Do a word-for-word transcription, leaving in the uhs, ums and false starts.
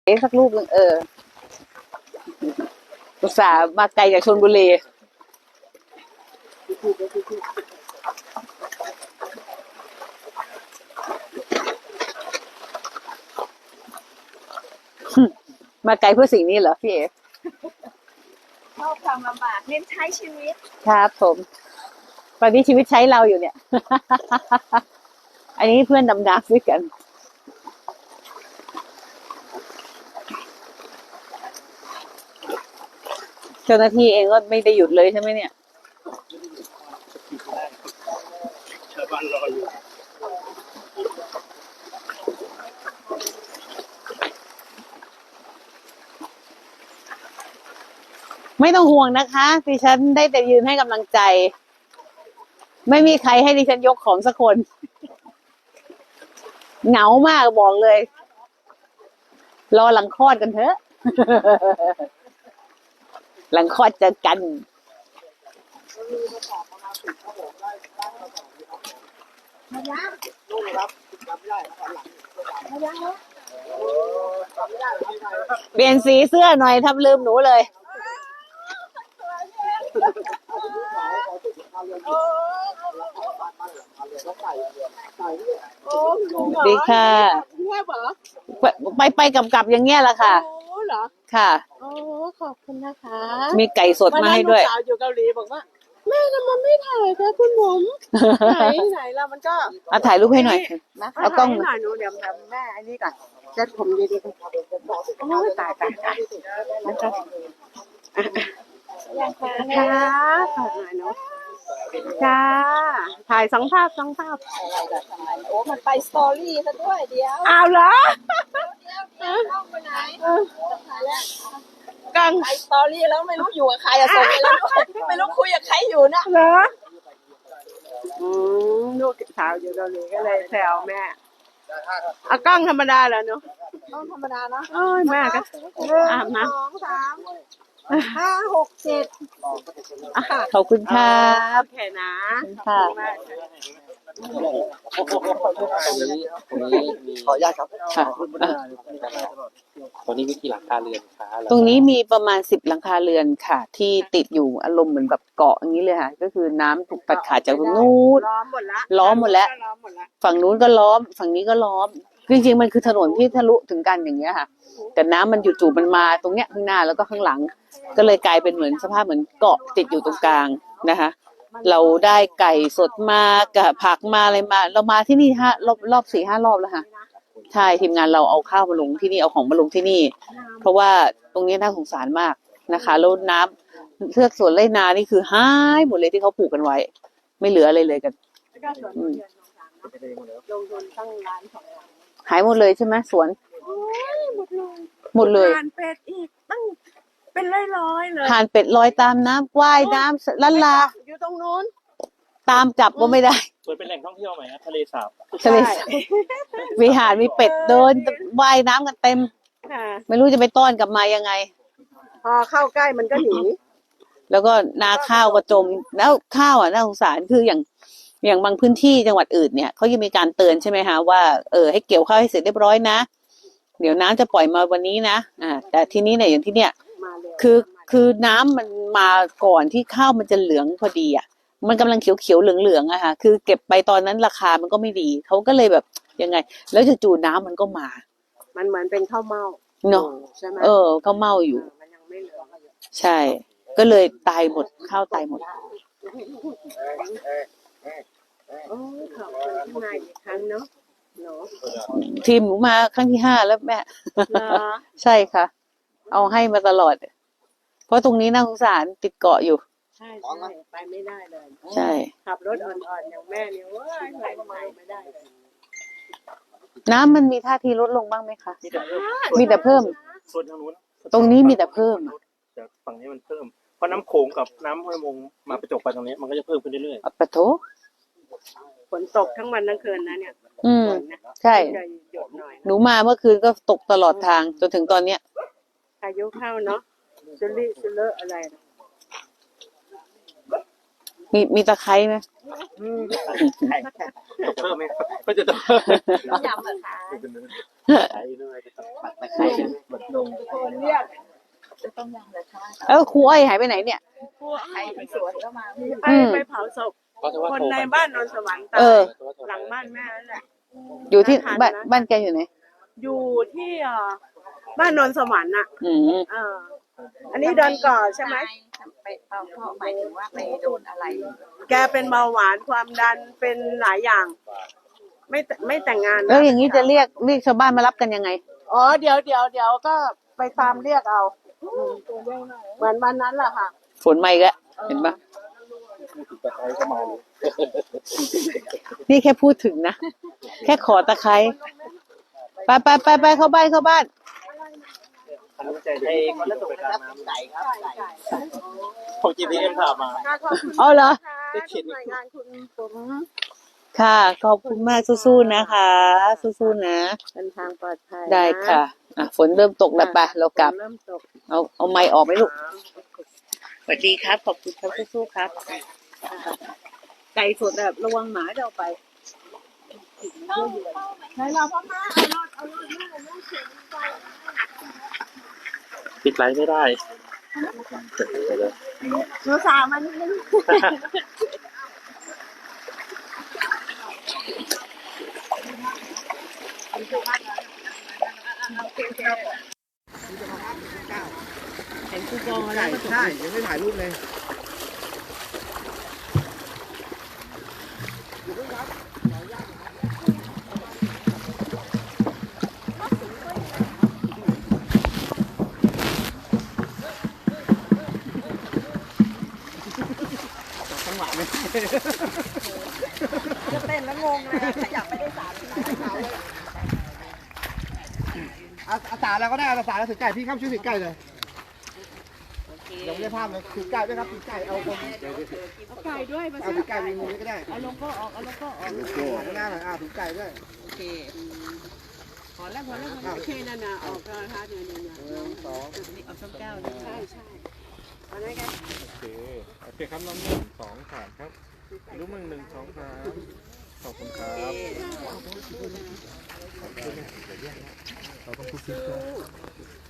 สักรูปหนึ่งเอออุตส่าห์มาไกลจากชลบุรีมาไกลเพื่อสิ่งนี้เหรอพี่เอ๋ชอบความลำบากเน้นใช้ชีวิตครับผมตอนนี้ชีวิตใช้เราอยู่เนี่ย อันนี้เพื่อนดำน้ำด้วยกันเจ้าหน้าที่เองก็ไม่ได้หยุดเลยใช่ไหมเนี่ยชาวบ้านรออยู่ไม่ต้องห่วงนะคะดิฉันได้แต่ยืนให้กำลังใจไม่มีใครให้ดิฉันยกของสักคนเหงามากบอกเลยรอหลังคลอดกันเถอะ หลังคลอดเจอกันเปลี่ยนสีเสื้อหน่อยทำลืมหนูเลยดีค่ะไปไปกับกับอย่างเงี้ยแหละค่ะค่ะโอ้ขอบคุณนะคะมีไก่สดมาให้ด้วยสาวอยู่เกาหลีบอกว่าแม่ทำไมไม่ถ่ายคะคุณผมไหนไหนแล้วมันก็เอาถ่ายรูปให้หน่อยเอากล้องหน่อยหนูเดี๋ยวแม่อันนี้ก่อนเซ็ตผมดีๆโอ้ตายตายตายนะคะค่ะขอหน่อยเนาะจ้าถ่ายสองภาพสองภาพโอ้มันไปสตอรี่ซะด้วยเดียวอ้าวเหรอเดี๋ยวต้องไปไหนกังไปสตอรี่แล้วไม่รู้อยู่กับใครอะส่งไปแล้วด้วยไม่รู้คุยกับใครอยู่นะเหรออืมลูกสาวอยู่เกาหลีก็เลยแซวแม่เอากล้องธรรมดาเหรอเนาะกล้องธรรมดาเนาะโอ้ยแม่ก็อาบน้ำสองสามห้าหกเจ็ดขอบคุณครับแค่นะค่ะขออนุญาตครับค่ะตรงนี้มีกี่หลังคาเรือนคะตรงนี้มีประมาณสิบหลังคาเรือนค่ะที่ติดอยู่อารมณ์เหมือนแบบเกาะอย่างนี้เลยค่ะก็คือน้ำถูกตัดขาดจากตรงนู้นล้อมหมดละล้อมหมดแล้วฝั่งนู้นก็ล้อมฝั่งนี้ก็ล้อมจริงๆมันคือถนนที่ทะลุถึงกันอย่างเงี้ยค่ะแต่น้ำมันอยู่จู่ๆมันมาตรงเนี้ยข้างหน้าแล้วก็ข้างหลังก็เลยกลายเป็นเหมือนสภาพเหมือนเกาะติดอยู่ตรงกลางนะคะเราได้ไก่สดมากับผักมาอะไรมาเรามาที่นี่ฮะรอบรอบสี่ห้ารอบแล้วค่ะใช่ทีมงานเราเอาข้าวมาลงที่นี่เอาของมาลงที่นี่เพราะว่าตรงนี้น่าสงสารมากนะคะแล้วน้ำเทือกสวนไรนานี่คือหายหมดเลยที่เขาปลูกกันไว้ไม่เหลืออะไรเลยกันหายหมดเลยใช่ไหมสวนหมดเลยห่านเป็ดอีกตั้งเป็นร้อยๆเลยห่านเป็ดลอยตามน้ำว่ายน้ำลันลาอยู่ตรงนู้นตามจับก็ไม่ได้เปิดเป็นแหล่งท่องเที่ยวไหมทะเลสาบทะเลสาบมีห่านมีเป็ดเดินว่ายน้ำกันเต็มไม่รู้จะไปต้อนกลับมายังไงพอเข้าใกล้มันก็หนีแล้วก็นาข้าวก็จมแล้วข้าวอ่ะน่าสงสารคืออย่างอย่างบางพื้นที่จังหวัดอื่นเนี่ยเขายังมีการเตือนใช่ไหมคะว่าเออให้เกี่ยวข้าวให้เสร็จเรียบร้อยนะเดี๋ยวน้ำจะปล่อยมาวันนี้นะอ่าแต่ที่นี้เนี่ยอย่างที่เนี่ยคือคือน้ำมันมาก่อนที่ข้าวมันจะเหลืองพอดีอ่ะมันกำลังเขียวเขียวเหลืองเหลืองอะค่ะคือเก็บไปตอนนั้นราคามันก็ไม่ดีเขาก็เลยแบบยังไงแล้วจู่ๆน้ำมันก็มามันเหมือนเป็นข้าวเม่าเนาะใช่ไหมเออข้าวเม่าอยู่มันยังไม่เหลืองใช่ก็เลยตายหมดข้าวตายหมดโอ้ขอบคุณที่มาอีกครั้งเนาะเนาะทีมหนูมาครั้งที่ห้าแล้วแม่ใช่ค่ะเอาให้มาตลอดเพราะตรงนี้น่าสงสารติดเกาะอยู่ใช่ไปไม่ได้เลยใช่ขับรถอ่อนๆอย่างแม่เนี่ยว่าไปไม่ได้เลยน้ำมันมีท่าทีลดลงบ้างไหมคะมีแต่เพิ่มส่วนทางนู้นตรงนี้มีแต่เพิ่มแต่ฝั่งนี้มันเพิ่มเพราะน้ำโขงกับน้ำห้วยมงมาประจบกันตรงนี้มันก็จะเพิ่มขึ้นเรื่อยๆปะโถฝนตกทั้งวันทั้งคืนนะเนี่ยอืมใช่หนูมาเมื่อคืนก็ตกตลอดทางจนถึงตอนเนี้ยพายุเข้าเนาะซุลิซุเลอะอะไรมีมีตะไคร้ไหมตกเพิ่มไหมก็จะตกยำอะค่ะใช้ด้วยตะไคร้ลุงตะโกนเรียกเออครูอ้อยหายไปไหนเนี่ยพวกไอ้สวนก็มาอืไอ้มไปเผาศพคนในบ้านนนสวรรค์ตาเออยหลังบ้านแม่นั่นแหละอยู่ที่บ้านบ้านแกอยู่ไหนอยู่ที่เอ่อบ้านนนสวรรค์น่ะอืมเอออันนี้โดนก่อใช่ไหมไปเป่าพ่อหมายถึงว่าไปโดนอะไรแกเป็นเบาหวานความดันเป็นหลายอย่าง ไม่แต่ไม่แต่งงานแล้วนะอย่างนี้จะเรียกเรียกชาวบ้านมารับกันยังไงอ๋อเดี๋ยวเดี๋ยวเดี๋ยวก็ไปตามเรียกเอาเหมือนวันนั้นแหละค่ะฝนมาอีกแล้วเห็นปะนี่แค่พูดถึงนะ แค่ขอตะไคร้ไปไปไปไปเข้าบ้านเข้าบ้านอันนี้จะให้คนละตกนะครับไก่ครับของ จี พี เอ็ม ถามมาค่ะขอบคุณอ๋อเหรอค่ะที่หน่วยงานคุณผมค่ะ ขอบคุณมากสู้ๆนะคะ สู้ๆนะเดินทางปลอดภัยได้ค่ะอ่ะ ฝนเริ่มตกแล้วไปเรากลับเริ่มตกเอาเอาไม้ออกไหมลูก สวัสดีครับ ขอบคุณครับสู้ๆครับ ไก่สดแบบระวังหมาจะเอาไปใช่เราพ่อมาเอารถเอารถลูกเอารถเข็นไปปิดไลน์ไม่ได้หนูสาวมานิดนึงเห็นคูปองอะไรใช่ยังไม่ถ่ายรูปเลยจะเต้นแล้วงงเลยขยับไม่ได้สามสาวเลยอาอาสาแล้วก็ได้อาสาแล้วถือไก่พี่ข้ามช่วยถือไก่เลยเดี๋ยวไม่ได้ภาพเลยถือไก่ด้วยครับถือไก่เอาคนเอาไก่ด้วยมาเอาสิถือไก่มีมือก็ได้เอาลงก็ออกเอาลงก็ออกเอาข้างหน้าหน่อยอ่าถือไก่ด้วยโอเคพอแล้วพอแล้วโอเคนั่นน่ะออกแล้วนะคะเนี่ยเนี่ยเนี่ยหนึ่งสองเอาส้มแก้วนี่ใช่ใช่เอาได้กันโอเค โอเคครับน้องหนึ่งสองสามครับลูกมึงหนึ่งสองสามขอบคุณครับเราต้องพูดซิ